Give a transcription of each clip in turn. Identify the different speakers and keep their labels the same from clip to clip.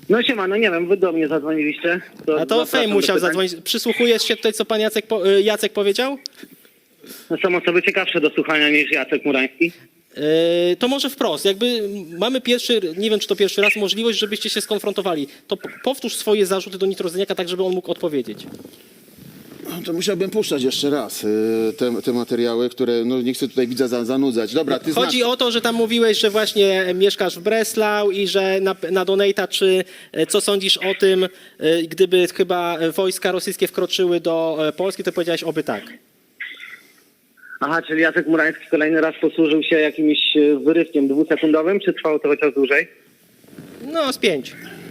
Speaker 1: No siema, no nie wiem, wy do mnie zadzwoniliście.
Speaker 2: A to Fame musiał zadzwonić. Przysłuchujesz się tutaj, co pan Jacek powiedział?
Speaker 1: No są osoby ciekawsze do słuchania niż Jacek Murański.
Speaker 2: To może wprost, jakby mamy pierwszy, nie wiem czy to pierwszy raz, możliwość, żebyście się skonfrontowali. To powtórz swoje zarzuty do Nitrozyniaka, tak żeby on mógł odpowiedzieć.
Speaker 3: To musiałbym puszczać jeszcze raz te materiały, które no nie chcę tutaj widza zanudzać. Dobra, ty
Speaker 2: Chodzi o to, że tam mówiłeś, że właśnie mieszkasz w Breslau i że na Donata, czy co sądzisz o tym, gdyby chyba wojska rosyjskie wkroczyły do Polski, to powiedziałeś oby tak.
Speaker 1: Aha, czyli Jacek Murański kolejny raz posłużył się jakimś wyrywkiem dwusekundowym, czy trwało to chociaż dłużej?
Speaker 2: No, z 5.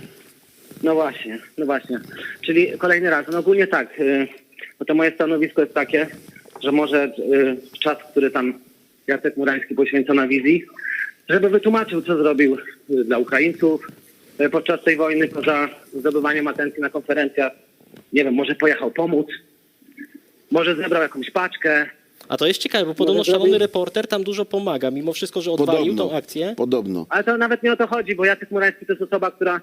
Speaker 1: No właśnie, no właśnie. Czyli kolejny raz. No ogólnie tak, no to moje stanowisko jest takie, że może czas, który tam Jacek Murański poświęca na wizji, żeby wytłumaczył, co zrobił dla Ukraińców podczas tej wojny, poza zdobywaniem atencji na konferencjach. Nie wiem, może pojechał pomóc, może zebrał jakąś paczkę.
Speaker 2: A to jest ciekawe, bo podobno szalony reporter tam dużo pomaga, mimo wszystko, że odwalił tą akcję.
Speaker 3: Podobno.
Speaker 1: Ale to nawet nie o to chodzi, bo Jacek Murański to jest osoba, która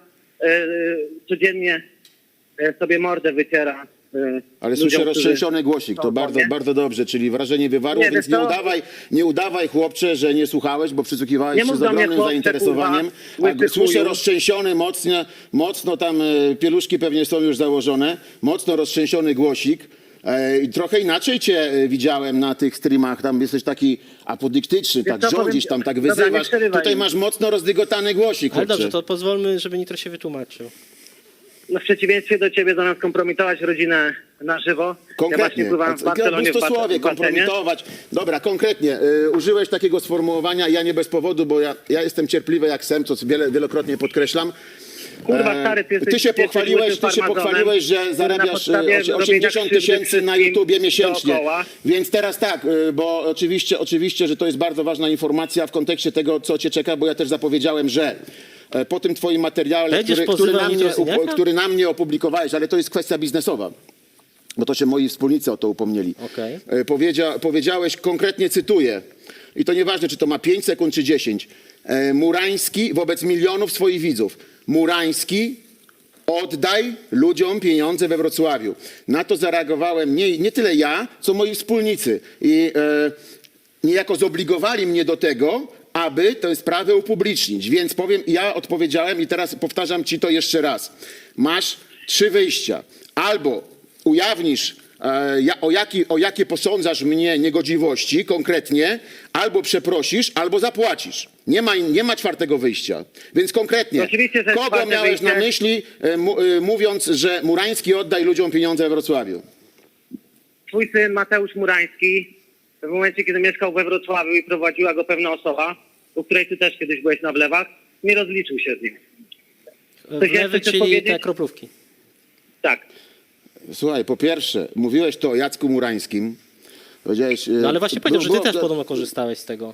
Speaker 1: codziennie sobie mordę wyciera.
Speaker 3: Ale słyszę roztrzęsiony głosik, to bardzo dobrze, czyli wrażenie wywarło,
Speaker 1: Nie,
Speaker 3: więc nie udawaj chłopcze, że nie słuchałeś, bo przysłuchiwałeś się z ogromnym zainteresowaniem. Słyszę roztrzęsiony mocno tam pieluszki pewnie są już założone, mocno roztrzęsiony głosik. I trochę inaczej cię widziałem na tych streamach, tam jesteś taki apodyktyczny, tak rządzisz, tam tak wyzywasz. Tutaj masz mocno rozdygotany głosik,
Speaker 2: Ale
Speaker 3: chłopcze.
Speaker 2: dobrze, to pozwólmy, żeby Nitro się wytłumaczył.
Speaker 1: No w przeciwieństwie do ciebie, zamiast kompromitować rodzinę na żywo.
Speaker 3: Konkretnie.
Speaker 1: Ja właśnie pływam w Barcelonie
Speaker 3: Bustosławie, kompromitować. Dobra, konkretnie. Użyłeś takiego sformułowania, ja nie bez powodu, bo ja jestem cierpliwy jak sem, co wielokrotnie podkreślam.
Speaker 1: Kurwa, stary, ty się
Speaker 3: pochwaliłeś, że zarabiasz 80 000 na YouTubie miesięcznie.
Speaker 1: Dookoła.
Speaker 3: Więc teraz tak, bo oczywiście, że to jest bardzo ważna informacja w kontekście tego, co cię czeka, bo ja też zapowiedziałem, że po tym twoim materiale, który na mnie opublikowałeś, ale to jest kwestia biznesowa, bo to się moi wspólnicy o to upomnieli.
Speaker 2: Okay.
Speaker 3: Powiedziałeś, konkretnie cytuję, i to nieważne, czy to ma 5 sekund, czy 10. Murański wobec milionów swoich widzów. Murański, oddaj ludziom pieniądze we Wrocławiu. Na to zareagowałem nie tyle ja, co moi wspólnicy. I niejako zobligowali mnie do tego, aby tę sprawę upublicznić. Więc ja odpowiedziałem i teraz powtarzam ci to jeszcze raz. Masz 3 wyjścia. Albo ujawnisz, o jakie posądzasz mnie niegodziwości konkretnie, albo przeprosisz, albo zapłacisz. Nie ma 4. wyjścia. Więc konkretnie, kogo miałeś na myśli, mówiąc, że Murański oddaj ludziom pieniądze we Wrocławiu?
Speaker 1: Twój syn Mateusz Murański, w momencie, kiedy mieszkał we Wrocławiu i prowadziła go pewna osoba, u której ty też kiedyś byłeś na wlewach, nie rozliczył się z nim.
Speaker 2: Wlewy, czyli te kroplówki.
Speaker 1: Tak.
Speaker 3: Słuchaj, po pierwsze, mówiłeś to o Jacku Murańskim. Powiedziałeś,
Speaker 2: no ale właśnie powiedział, że ty też podobno korzystałeś z tego.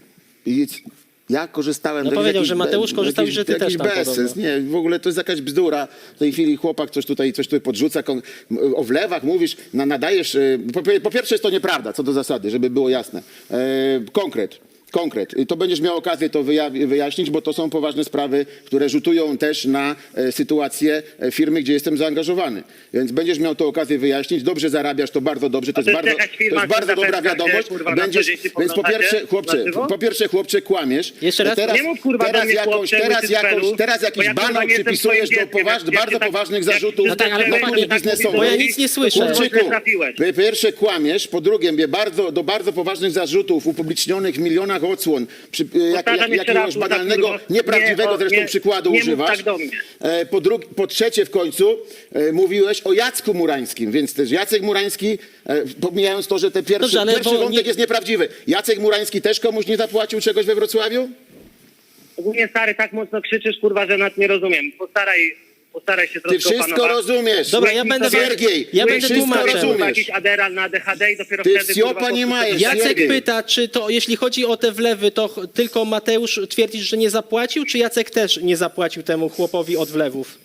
Speaker 3: Ja korzystałem...
Speaker 2: No powiedział, że Mateusz korzystał i że ty też tam
Speaker 3: bezsens. Nie, w ogóle to jest jakaś bzdura. W tej chwili chłopak coś tutaj podrzuca. O wlewach mówisz, nadajesz... Po pierwsze jest to nieprawda, co do zasady, żeby było jasne. Konkret. To będziesz miał okazję to wyjaśnić, bo to są poważne sprawy, które rzutują też na sytuację firmy, gdzie jestem zaangażowany. Więc będziesz miał to okazję wyjaśnić. Dobrze zarabiasz, to bardzo dobrze. To jest bardzo dobra wiadomość. Więc po pierwsze, chłopcze, kłamiesz.
Speaker 2: Jeszcze raz?
Speaker 1: Nie mów, kurwa,
Speaker 3: Teraz jakiś banał przypisujesz do bardzo poważnych zarzutów.
Speaker 2: No tak, ale bo ja nic nie słyszę.
Speaker 3: Chłopczyku, po pierwsze kłamiesz, po drugie do bardzo poważnych zarzutów upublicznionych w milionach odsłon, jakiegoś banalnego, nieprawdziwego zresztą przykładu używasz.
Speaker 1: Tak do mnie.
Speaker 3: Po trzecie w końcu mówiłeś o Jacku Murańskim, więc też Jacek Murański, pomijając to, że ten pierwszy wątek jest nieprawdziwy, Jacek Murański też komuś nie zapłacił czegoś we Wrocławiu?
Speaker 1: Ogólnie, stary, tak mocno krzyczysz, kurwa, że nawet nie rozumiem. Postaraj się troszkę
Speaker 3: Ty wszystko rozumiesz.
Speaker 2: Dobra, ja będę
Speaker 3: tłumaczył.
Speaker 1: Jakiś Adderall na ADHD i dopiero
Speaker 3: Ty
Speaker 1: wtedy...
Speaker 3: wsiopa nie majesz.
Speaker 2: Jacek pyta, czy to, jeśli chodzi o te wlewy, to tylko Mateusz twierdzisz, że nie zapłacił, czy Jacek też nie zapłacił temu chłopowi od wlewów?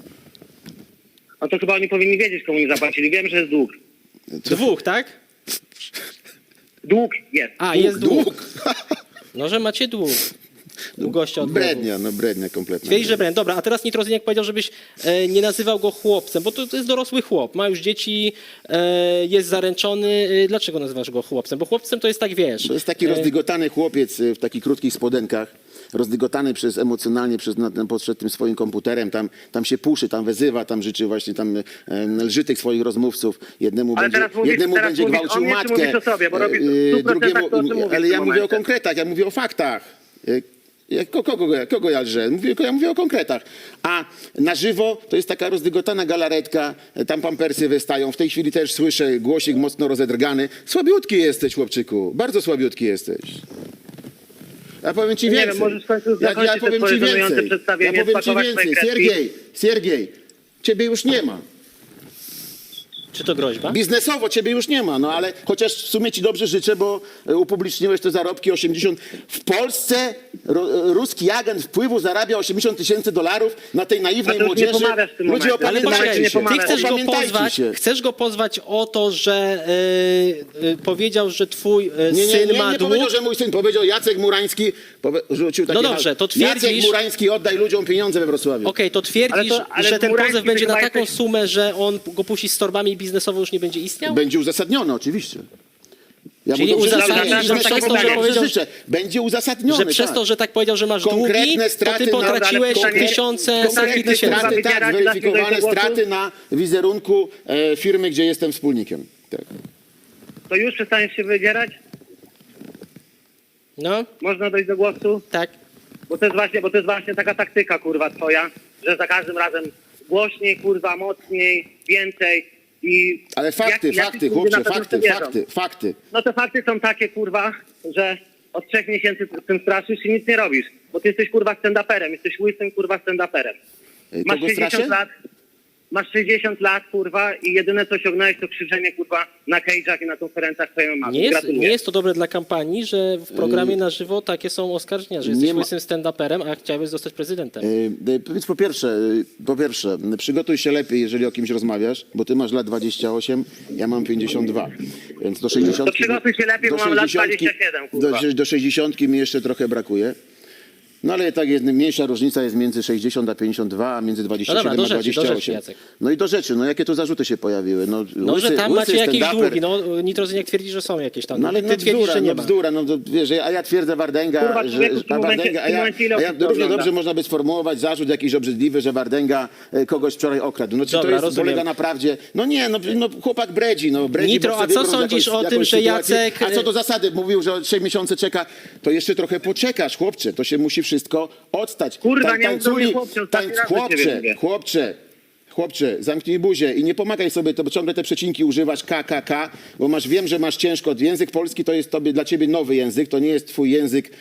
Speaker 1: No to chyba oni powinni wiedzieć, komu nie zapłacili. Wiem, że jest dług.
Speaker 2: 2, tak?
Speaker 1: Dług jest.
Speaker 2: A, jest dług. No, że macie dług. u gościa od
Speaker 3: Brednia, no brednia kompletna.
Speaker 2: Twierdzi, że brand. Dobra, a teraz Nitrozyniak powiedział, żebyś nie nazywał go chłopcem, bo to jest dorosły chłop, ma już dzieci, jest zaręczony. Dlaczego nazywasz go chłopcem? Bo chłopcem to jest tak, wiesz...
Speaker 3: To jest taki rozdygotany chłopiec w takich krótkich spodenkach, rozdygotany emocjonalnie przed tym swoim komputerem, tam się puszy, tam wezywa, tam życzy właśnie, tam lży tych swoich rozmówców. Jednemu
Speaker 1: Ale
Speaker 3: jednemu
Speaker 1: teraz
Speaker 3: będzie
Speaker 1: mówisz
Speaker 3: gwałcił
Speaker 1: o mnie, czy
Speaker 3: matkę,
Speaker 1: mówisz o sobie? Bo robisz w 100%
Speaker 3: drugiemu,
Speaker 1: to, o czym mówisz
Speaker 3: ale
Speaker 1: w
Speaker 3: ja
Speaker 1: tym
Speaker 3: mówię o
Speaker 1: momencie.
Speaker 3: konkretach, ja mówię o faktach. Kogo ja lżę? Ja mówię o konkretach. A na żywo to jest taka rozdygotana galaretka, tam pampersy wystają. W tej chwili też słyszę głosik mocno rozedrgany. Słabiutki jesteś, chłopczyku. Bardzo słabiutki jesteś. Ja powiem ci
Speaker 1: Nie
Speaker 3: więcej.
Speaker 1: wiem, możesz w końcu zakończyć
Speaker 3: ja
Speaker 1: te
Speaker 3: powiem
Speaker 1: swoje
Speaker 3: ci
Speaker 1: żenujące
Speaker 3: więcej.
Speaker 1: przedstawienie,
Speaker 3: Ja powiem ci
Speaker 1: spakować
Speaker 3: więcej.
Speaker 1: swoje kredki.
Speaker 3: Siergiej, ciebie już nie ma.
Speaker 2: Czy to groźba?
Speaker 3: Biznesowo ciebie już nie ma, no ale chociaż w sumie ci dobrze życzę, bo upubliczniłeś te zarobki 80. W Polsce ruski agent wpływu zarabia $80,000 na tej naiwnej
Speaker 1: A to już nie
Speaker 3: młodzieży.
Speaker 1: pomagasz w tym
Speaker 3: Ludzie,
Speaker 1: momencie.
Speaker 2: Ale
Speaker 3: opamiętajcie
Speaker 2: poczekaj,
Speaker 3: się.
Speaker 2: ty
Speaker 3: Opamiętajcie się.
Speaker 2: chcesz go pozwać o to, że powiedział, że twój
Speaker 3: Nie
Speaker 2: syn ma dług.
Speaker 3: powiedział, że mój syn, powiedział Jacek Murański, rzucił takie
Speaker 2: No dobrze, to
Speaker 3: Jacek
Speaker 2: twierdzisz-
Speaker 3: Murański, oddaj ludziom pieniądze we Wrocławiu.
Speaker 2: Okej, to twierdzisz,
Speaker 1: ale
Speaker 2: że ten
Speaker 1: Murański
Speaker 2: pozew będzie na
Speaker 1: chyba
Speaker 2: taką
Speaker 1: jesteś-
Speaker 2: sumę, że on go puści z torbami i biznesowo już nie będzie istniał?
Speaker 3: Będzie uzasadnione, oczywiście. Ja
Speaker 2: Czyli
Speaker 3: dobrze
Speaker 2: uzasadnisz,
Speaker 3: życzę,
Speaker 1: że
Speaker 3: biznesowo
Speaker 1: tak
Speaker 3: mu
Speaker 1: jest,
Speaker 3: dobrze
Speaker 2: powiedział-
Speaker 3: życzę. Będzie uzasadnione,
Speaker 2: Że przez
Speaker 3: tak.
Speaker 2: to, że tak powiedział, że masz długi,
Speaker 3: Konkretne
Speaker 2: to
Speaker 3: straty
Speaker 2: ty
Speaker 3: na-
Speaker 2: potraciłeś
Speaker 1: ale
Speaker 2: tysiące, setki
Speaker 3: Konkretne
Speaker 2: tysięcy.
Speaker 3: straty, tak,
Speaker 1: Wybierać,
Speaker 3: zweryfikowane
Speaker 1: dasz mi dojść do
Speaker 3: straty
Speaker 1: głosu?
Speaker 3: na wizerunku firmy, gdzie jestem wspólnikiem. Tak.
Speaker 1: To już przestaniesz się wydzierać?
Speaker 2: No,
Speaker 1: Można dojść do głosu?
Speaker 2: tak.
Speaker 1: Bo to jest właśnie taka taktyka, kurwa, twoja, że za każdym razem głośniej, kurwa, mocniej, więcej i...
Speaker 3: Ale fakty,
Speaker 1: jakiś
Speaker 3: fakty,
Speaker 1: ludzie
Speaker 3: chłopcze,
Speaker 1: na pewno w to
Speaker 3: fakty,
Speaker 1: wierzą.
Speaker 3: fakty.
Speaker 1: No te fakty są takie, kurwa, że od 3 miesięcy z tym straszysz i nic nie robisz. Bo ty jesteś, kurwa, stand-uperem. Jesteś łysym, kurwa, stand-uperem. Masz
Speaker 3: Kogo straszę?
Speaker 1: 60 lat. Masz 60 lat, kurwa, i jedyne co osiągnąłeś to krzyczenie, kurwa, na cage'ach i na konferencjach twojej mamy.
Speaker 2: Nie jest to dobre dla kampanii, że w programie na żywo takie są oskarżenia, że jesteś
Speaker 3: Nie ma-
Speaker 2: łysym stand-uperem, a chciałeś zostać prezydentem.
Speaker 3: Więc po pierwsze, przygotuj się lepiej, jeżeli o kimś rozmawiasz, bo ty masz lat 28, ja mam 52. Więc do 60.
Speaker 1: To przygotuj się lepiej, bo mam lat 27, kurwa.
Speaker 3: Do 60 mi jeszcze trochę brakuje. No ale tak jest, mniejsza różnica jest między 60 a 52, a między 27
Speaker 2: No dobra, do
Speaker 3: a
Speaker 2: rzeczy,
Speaker 3: 28.
Speaker 2: Jacek.
Speaker 3: No i do rzeczy, no jakie tu zarzuty się pojawiły?
Speaker 2: No, że tam macie jakieś
Speaker 3: stand-uper.
Speaker 2: długi. No, Nitrozyniak twierdzi, że są jakieś tam.
Speaker 3: No ale
Speaker 2: Ty twierdzisz, że nie ma.
Speaker 3: bzdura, no to wiesz, a ja twierdzę Wardęga,
Speaker 1: Kurwa, człowieku, w tym momencie ile osób to
Speaker 3: równie
Speaker 1: ogląda?
Speaker 3: dobrze można by sformułować zarzut jakiś obrzydliwy, że Wardęga kogoś wczoraj okradł. No czy
Speaker 2: Dobra,
Speaker 3: to jest,
Speaker 2: rozumiem.
Speaker 3: polega na prawdzie? No nie, no chłopak bredzi,
Speaker 2: Nitro,
Speaker 3: bo
Speaker 2: a
Speaker 3: sobie
Speaker 2: co
Speaker 3: wyobraża
Speaker 2: sądzisz o tym,
Speaker 3: jakąś
Speaker 2: że
Speaker 3: sytuację.
Speaker 2: Jacek-
Speaker 3: A co do zasady, mówił, że 3 miesiące czeka, to jeszcze trochę poczekasz, chłopcze, to się musi wszystko odstać.
Speaker 1: Kurwa, nie mów do mnie chłopcze, ostatni raz do ciebie mówię.
Speaker 3: Chłopcze, zamknij buzię i nie pomagaj sobie, to ciągle te przecinki używasz KKK, bo wiem, że masz ciężko. Język polski to jest dla ciebie nowy język, to nie jest twój język,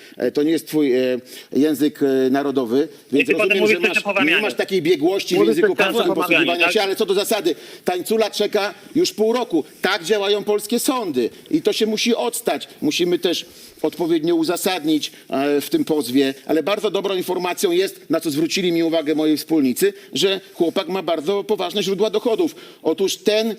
Speaker 3: język narodowy, więc
Speaker 1: ty potem
Speaker 3: rozumiem,
Speaker 1: mówisz
Speaker 3: że
Speaker 1: coś o pomawianiu.
Speaker 3: nie masz takiej biegłości w
Speaker 1: Mówisz
Speaker 3: języku
Speaker 1: coś teraz
Speaker 3: polskim
Speaker 1: o pomawianiu,
Speaker 3: posługiwania
Speaker 1: tak?
Speaker 3: się, ale co do zasady, tańcula czeka już pół roku. Tak działają polskie sądy i to się musi odstać. Musimy też odpowiednio uzasadnić w tym pozwie, ale bardzo dobrą informacją jest, na co zwrócili mi uwagę moi wspólnicy, że chłopak ma bardzo poważne źródła dochodów. Otóż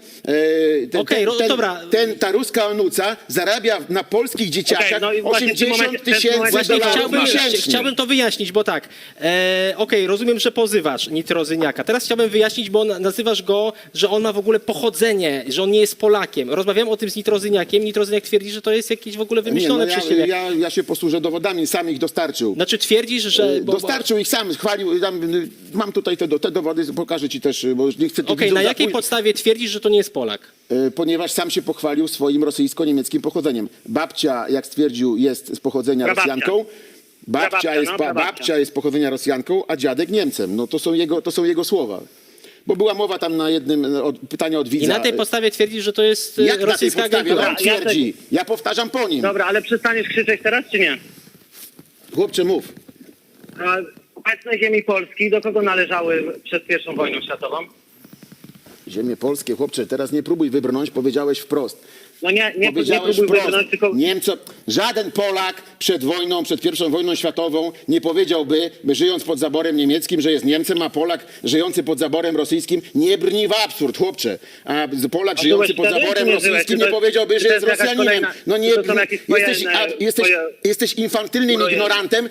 Speaker 2: Okej, dobra.
Speaker 3: ta ruska onuca zarabia na polskich dzieciakach
Speaker 1: no i właśnie w tym momencie-
Speaker 3: $80,000
Speaker 2: Właśnie
Speaker 3: miesięcznie.
Speaker 2: chciałbym to wyjaśnić, bo tak, okej, rozumiem, że pozywasz Nitrozyniaka. Teraz chciałbym wyjaśnić, bo nazywasz go, że on ma w ogóle pochodzenie, że on nie jest Polakiem. Rozmawiałem o tym z Nitrozyniakiem. Nitrozyniak twierdzi, że to jest jakieś w ogóle wymyślone przez ciebie.
Speaker 3: Ja się posłużę dowodami, sam ich dostarczył.
Speaker 2: Znaczy twierdzisz, że...
Speaker 3: Dostarczył ich sam, chwalił. Mam tutaj te dowody, pokażę ci też, bo już nie chcę tu
Speaker 2: Okej,
Speaker 3: widzów
Speaker 2: na jakiej
Speaker 3: zapój-
Speaker 2: podstawie twierdzisz, że to nie jest Polak?
Speaker 3: Ponieważ sam się pochwalił swoim rosyjsko-niemieckim pochodzeniem. Babcia, jak stwierdził, jest z pochodzenia
Speaker 1: Prababcia.
Speaker 3: Rosjanką. Babcia jest z pochodzenia Rosjanką, a dziadek Niemcem. No to są jego słowa. Bo była mowa tam na jednym pytania od widza.
Speaker 2: I na tej podstawie twierdzisz, że to jest
Speaker 3: Jak na tej
Speaker 2: rosyjska
Speaker 3: podstawie
Speaker 2: agentura?
Speaker 3: on twierdzi? Ja powtarzam po nim.
Speaker 1: Dobra, ale przestaniesz krzyczeć teraz, czy nie?
Speaker 3: Chłopcze, mów.
Speaker 1: A obecne ziemi Polski do kogo należały przed I wojną światową?
Speaker 3: Ziemie polskie, chłopcze, teraz nie próbuj wybrnąć, powiedziałeś wprost.
Speaker 1: No nie
Speaker 3: Powiedziałeś
Speaker 1: próbuj
Speaker 3: wprost,
Speaker 1: wybrnąć, tylko...
Speaker 3: żaden Polak przed wojną, przed I wojną światową nie powiedziałby, żyjąc pod zaborem niemieckim, że jest Niemcem, a Polak żyjący pod zaborem rosyjskim nie brni w absurd, chłopcze. A Polak
Speaker 1: A
Speaker 3: żyjący
Speaker 1: byłeś
Speaker 3: pod
Speaker 1: wtedy,
Speaker 3: zaborem
Speaker 1: czy nie byłeś?
Speaker 3: rosyjskim
Speaker 1: Czy
Speaker 3: nie
Speaker 1: to-
Speaker 3: powiedziałby,
Speaker 1: czy
Speaker 3: że
Speaker 1: to
Speaker 3: jest
Speaker 1: jest jakaś
Speaker 3: Rosjaninem.
Speaker 1: kolejna-
Speaker 3: No
Speaker 1: czy to są jakieś twoje,
Speaker 3: jesteś infantylnym
Speaker 1: twoje-
Speaker 3: ignorantem,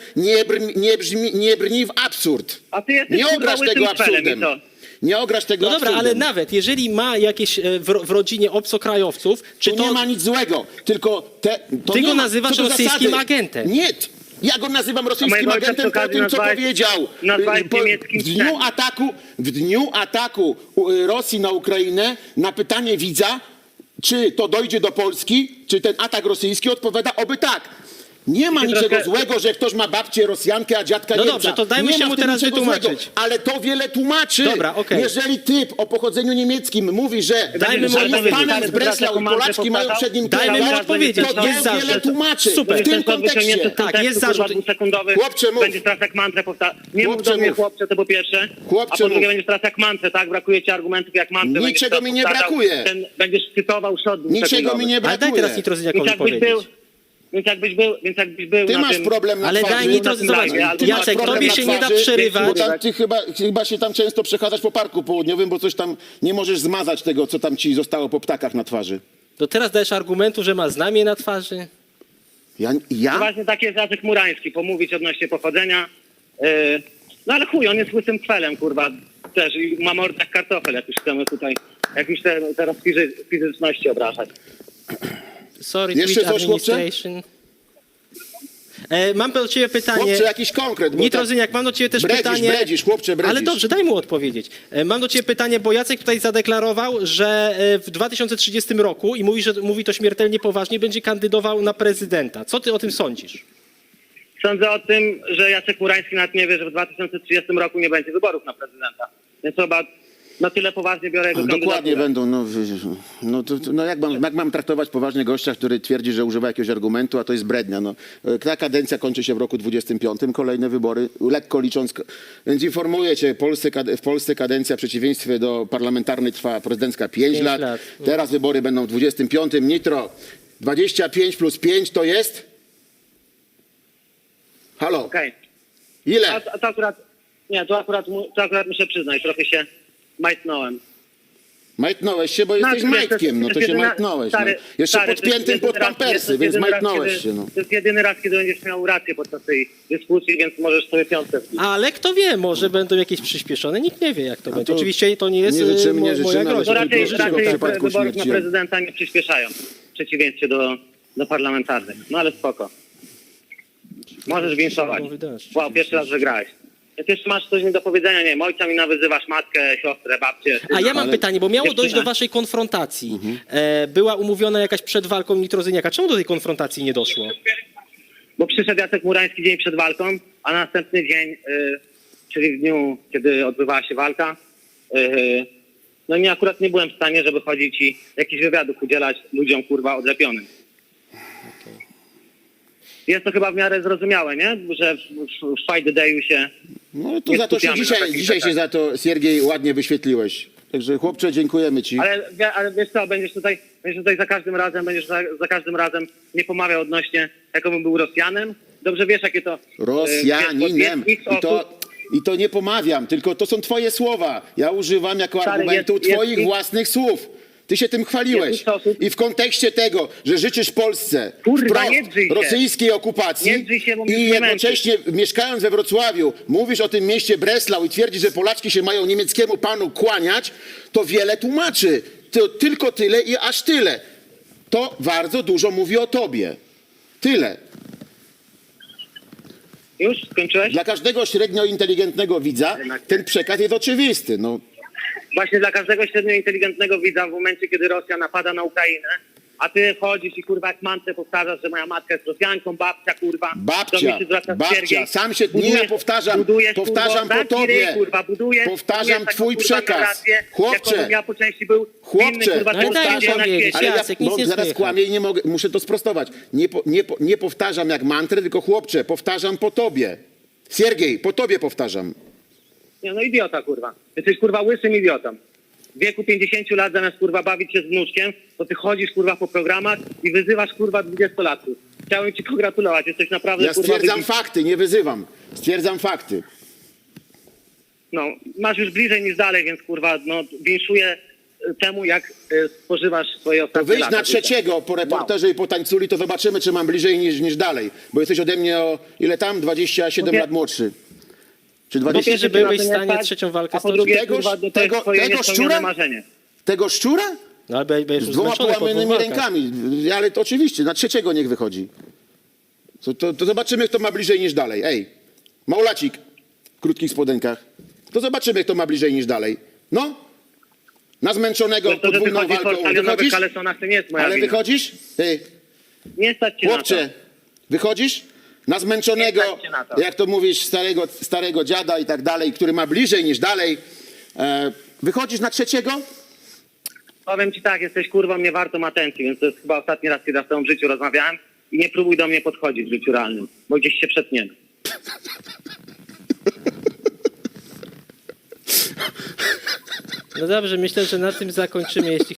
Speaker 3: nie brni w absurd.
Speaker 1: A ty jesteś
Speaker 3: Nie
Speaker 1: kurwa
Speaker 3: ograsz
Speaker 1: łysym
Speaker 3: tego
Speaker 1: felem i
Speaker 3: absurdem.
Speaker 1: co?
Speaker 3: Nie ograsz tego
Speaker 2: No dobra,
Speaker 3: absurdem.
Speaker 2: ale nawet jeżeli ma jakieś w rodzinie obcokrajowców, czy
Speaker 3: Tu
Speaker 2: to...
Speaker 3: nie ma nic złego, tylko to
Speaker 2: Ty
Speaker 3: nie
Speaker 2: go
Speaker 3: ma,
Speaker 2: nazywasz
Speaker 3: co do
Speaker 2: rosyjskim
Speaker 3: zasady.
Speaker 2: agentem.
Speaker 3: Nie, ja go nazywam rosyjskim
Speaker 1: mojego ojca
Speaker 3: agentem
Speaker 1: przy
Speaker 3: po
Speaker 1: okazji
Speaker 3: tym, co
Speaker 1: nazwałeś-
Speaker 3: powiedział.
Speaker 1: nazwałeś niemieckim
Speaker 3: W dniu ataku Rosji na Ukrainę na pytanie widza, czy to dojdzie do Polski, czy ten atak rosyjski, odpowiada oby tak. Nie ma
Speaker 1: Ty
Speaker 3: niczego
Speaker 1: trochę-
Speaker 3: złego, że ktoś ma babcię Rosjankę, a dziadka
Speaker 2: No
Speaker 3: Niemca.
Speaker 2: dobrze, to dajmy
Speaker 3: Nie
Speaker 2: się
Speaker 3: ma
Speaker 2: mu
Speaker 3: w tym
Speaker 2: teraz
Speaker 3: niczego
Speaker 2: wytłumaczyć.
Speaker 3: złego, ale to wiele tłumaczy.
Speaker 2: Dobra, okej.
Speaker 3: Jeżeli typ o pochodzeniu niemieckim mówi, że
Speaker 2: Dajmy mu
Speaker 3: że jest
Speaker 2: odpowiedzieć.
Speaker 3: panem z Breslau i Polaczki mają przed nim
Speaker 2: Dajmy mu
Speaker 3: kierować,
Speaker 2: odpowiedzieć.
Speaker 3: to
Speaker 2: Jest
Speaker 3: wiele
Speaker 2: zarzut.
Speaker 3: tłumaczy.
Speaker 2: Super.
Speaker 3: W tym kontekście.
Speaker 2: Tak, jest zarzut.
Speaker 1: Dwusekundowy.
Speaker 3: Chłopcze, mów.
Speaker 1: Będziesz teraz jak mantrę powtarzał. Nie mów
Speaker 3: Chłopcze,
Speaker 1: do mnie
Speaker 3: mów.
Speaker 1: chłopcze, to po pierwsze.
Speaker 3: Chłopcze,
Speaker 1: a po drugie
Speaker 3: mów.
Speaker 1: będziesz teraz jak mantrę, tak? Brakuje ci argumentów jak mantrę.
Speaker 3: Niczego mi nie brakuje.
Speaker 1: Będziesz cytował szot
Speaker 3: Niczego mi nie
Speaker 2: Ale daj
Speaker 3: brakuje.
Speaker 2: teraz Nitrozyniakowi
Speaker 1: Więc jakbyś był
Speaker 3: Ty
Speaker 1: na
Speaker 3: masz
Speaker 1: tym...
Speaker 3: problem na
Speaker 2: Ale
Speaker 3: twarzy.
Speaker 2: daj Nitro,
Speaker 1: tym
Speaker 2: zobacz,
Speaker 1: live, albo
Speaker 2: Jacek,
Speaker 3: masz problem
Speaker 2: tobie
Speaker 3: na
Speaker 2: się nie da
Speaker 3: twarzy,
Speaker 2: przerywać.
Speaker 3: Bo tam ty chyba się tam często przechadzasz po parku południowym, bo coś tam nie możesz zmazać tego, co tam ci zostało po ptakach na twarzy.
Speaker 2: To teraz dajesz argumentu, że ma znamie na twarzy?
Speaker 3: Ja?
Speaker 1: Właśnie taki jest Jacek Murański, pomówić odnośnie pochodzenia. No ale chuj, on jest łysym kwelem, kurwa, też i ma mordę jak kartofel, jak już chcemy tutaj, jak już teraz fizyczności obrażać.
Speaker 2: Sorry,
Speaker 3: Jeszcze
Speaker 2: Twitch
Speaker 3: coś, chłopcze?
Speaker 2: Administration. Mam do ciebie pytanie.
Speaker 3: Chłopcze, jakiś konkret. Bo
Speaker 2: Nitrozyniak, mam do ciebie też pytanie.
Speaker 3: Chłopcze, bredzisz.
Speaker 2: Ale dobrze, daj mu odpowiedzieć. Mam do ciebie pytanie, bo Jacek tutaj zadeklarował, że w 2030 roku, i mówi, że mówi to śmiertelnie poważnie, będzie kandydował na prezydenta. Co ty o tym sądzisz?
Speaker 1: Sądzę o tym, że Jacek Murański nawet nie wie, że w 2030 roku nie będzie wyborów na prezydenta. Więc chyba na tyle poważnie biorę jego
Speaker 3: Dokładnie
Speaker 1: kandydaturę.
Speaker 3: będą. Jak mam traktować poważnie gościa, który twierdzi, że używa jakiegoś argumentu, a to jest brednia. No. Ta kadencja kończy się w roku 25, kolejne wybory, lekko licząc. Więc informuję cię, w Polsce kadencja w przeciwieństwie do parlamentarnej trwa prezydencka 5 lat. Teraz wybory będą w 25. Nitro, 25 plus 5 to jest? Halo,
Speaker 1: Okej.
Speaker 3: ile?
Speaker 1: A to akurat, nie, to akurat muszę przyznać, trochę się majtnąłem.
Speaker 3: Majtnąłeś się, bo jesteś
Speaker 1: Znaczy,
Speaker 3: majtkiem, no to się majtnąłeś. No. Jeszcze podpiętym pod pampersy, więc majtnąłeś się. No.
Speaker 1: To jest jedyny raz, kiedy będziesz miał rację podczas tej dyskusji, więc możesz sobie piątkę wbić.
Speaker 2: Ale kto wie, może będą jakieś przyspieszone, nikt nie wie, jak to będzie.
Speaker 3: to
Speaker 2: Oczywiście to nie jest
Speaker 3: nie życzymy,
Speaker 2: moja
Speaker 3: ale
Speaker 1: To
Speaker 2: groźba.
Speaker 1: raczej,
Speaker 3: życzę w przypadku
Speaker 1: wyborów na
Speaker 3: śmierci.
Speaker 1: prezydenta nie przyspieszają, w przeciwieństwie do parlamentarnych. No ale spoko. Możesz winszować. Wow, pierwszy raz wygrałeś. Jak jeszcze masz coś mi do powiedzenia, nie wiem, ojca mi nawyzywasz, matkę, siostrę, babcię.
Speaker 2: A ja mam
Speaker 3: Ale-
Speaker 2: pytanie, bo miało
Speaker 1: Jeszcze
Speaker 2: dojść do
Speaker 1: nie.
Speaker 2: waszej konfrontacji. Była umówiona jakaś przed walką Nitrozyniaka. Czemu do tej konfrontacji nie doszło?
Speaker 1: Bo przyszedł Jacek Murański dzień przed walką, a następny dzień, czyli w dniu, kiedy odbywała się walka, no i akurat nie byłem w stanie, żeby chodzić i jakichś wywiadów udzielać ludziom, kurwa, odlepionym. Jest to chyba w miarę zrozumiałe, nie? Że w Fight the Day'u się...
Speaker 3: No to
Speaker 1: Nie
Speaker 3: za to się
Speaker 1: skupiamy na takich
Speaker 3: dzisiaj się
Speaker 1: rzeczach.
Speaker 3: za to, Siergiej, ładnie wyświetliłeś. Także chłopcze, dziękujemy ci.
Speaker 1: Ale wiesz co, będziesz tutaj za każdym razem nie pomawiał odnośnie, jakobym był Rosjanem. Dobrze wiesz, jakie to...
Speaker 3: Rosjaninem. I to nie pomawiam, tylko to są twoje słowa. Ja używam jako
Speaker 1: Stary,
Speaker 3: argumentu
Speaker 1: jest
Speaker 3: twoich
Speaker 1: ich-
Speaker 3: własnych słów. Ty się tym chwaliłeś.
Speaker 1: Jest ich osób-
Speaker 3: I w kontekście tego, że życzysz Polsce
Speaker 1: Kurwa,
Speaker 3: wprost
Speaker 1: nie drzyj się.
Speaker 3: rosyjskiej okupacji
Speaker 1: Nie drzyj się, bo mnie
Speaker 3: i
Speaker 1: nie
Speaker 3: jednocześnie mieszkając we Wrocławiu mówisz o tym mieście Breslau i twierdzisz, że Polaczki się mają niemieckiemu panu kłaniać, to wiele tłumaczy. To tylko tyle i aż tyle. To bardzo dużo mówi o tobie. Tyle.
Speaker 1: Już skończyłeś?
Speaker 3: Dla każdego średnio inteligentnego widza ten przekaz jest oczywisty. No,
Speaker 1: Właśnie dla każdego średnio inteligentnego widza w momencie, kiedy Rosja napada na Ukrainę, a ty chodzisz i kurwa jak mantrę powtarzasz, że moja matka jest Rosjanką, babcia kurwa. do mnie się zwraca Siergiej.
Speaker 3: sam się nie ja powtarzam po tobie.
Speaker 1: Kurwa,
Speaker 3: Powtarzam twój
Speaker 1: taką,
Speaker 3: przekaz.
Speaker 1: narrację,
Speaker 3: Chłopcze,
Speaker 1: jakobym ja po części był
Speaker 3: chłopcze,
Speaker 1: inny, kurwa,
Speaker 2: no i daj
Speaker 1: człowiek na
Speaker 2: powiedzieć.
Speaker 1: świecie.
Speaker 3: ale ja
Speaker 2: Jacek, nic nie
Speaker 3: zaraz
Speaker 2: słychać.
Speaker 3: kłamię i nie mogę, muszę to sprostować. Nie powtarzam jak mantrę, tylko chłopcze, powtarzam po tobie. Siergiej, po tobie powtarzam.
Speaker 1: Nie, no idiota kurwa. Jesteś kurwa łysym idiotą. W wieku 50 lat zamiast kurwa bawić się z wnuczkiem, to ty chodzisz kurwa po programach i wyzywasz kurwa 20-latków. Chciałem ci pogratulować, jesteś naprawdę
Speaker 3: Ja
Speaker 1: kurwa
Speaker 3: stwierdzam
Speaker 1: wybitny.
Speaker 3: fakty, nie wyzywam. Stwierdzam fakty.
Speaker 1: No, masz już bliżej niż dalej, więc kurwa, no winszuję temu, jak spożywasz swoje
Speaker 3: To
Speaker 1: ostatnie
Speaker 3: wyjdź
Speaker 1: lata
Speaker 3: na
Speaker 1: życia.
Speaker 3: trzeciego po reporterze i po tańculi, to zobaczymy, czy mam bliżej niż dalej. Bo jesteś ode mnie o ile tam? 27
Speaker 1: Mówię-
Speaker 3: lat młodszy. Czy
Speaker 1: Po
Speaker 3: 20?
Speaker 1: pierwsze,
Speaker 2: byłeś
Speaker 1: cię
Speaker 2: w
Speaker 1: na to
Speaker 2: stanie
Speaker 1: nie stać,
Speaker 2: trzecią walkę
Speaker 1: a po
Speaker 2: stoczyć?
Speaker 1: drugie,
Speaker 3: Tegoż-
Speaker 1: kurwa, to jest
Speaker 3: tego-
Speaker 1: twoje
Speaker 3: tego
Speaker 1: niespełnione
Speaker 3: szczura?
Speaker 1: marzenie.
Speaker 3: Tego szczura?
Speaker 2: No ale będziesz
Speaker 3: Z
Speaker 2: już
Speaker 3: dwoma
Speaker 2: zmęczony po dwóch
Speaker 3: połamanymi
Speaker 2: walkach.
Speaker 3: rękami. Ale to oczywiście, na trzeciego niech wychodzi. To zobaczymy, kto ma bliżej niż dalej. Ej, Maulacik w krótkich spodenkach. To zobaczymy, kto ma bliżej niż dalej. No, na zmęczonego
Speaker 1: To, że
Speaker 3: podwójną
Speaker 1: wychodzisz w
Speaker 3: walką.
Speaker 1: ortalionowych
Speaker 3: Wychodzisz?
Speaker 1: kalesonach, to nie jest moja
Speaker 3: Ale
Speaker 1: wina.
Speaker 3: wychodzisz? Ty,
Speaker 1: Nie stać cię na
Speaker 3: chłopcze,
Speaker 1: to.
Speaker 3: wychodzisz? Na zmęczonego,
Speaker 1: Nie stać cię na to.
Speaker 3: jak to mówisz, starego dziada i tak dalej, który ma bliżej niż dalej. Wychodzisz na trzeciego?
Speaker 1: Powiem ci tak, jesteś kurwą nie wartą atencji, więc to jest chyba ostatni raz, kiedy ja z tobą w życiu rozmawiałem i nie próbuj do mnie podchodzić w życiu realnym, bo gdzieś się przetniemy.
Speaker 2: No dobrze, myślę, że na tym zakończymy, jeśli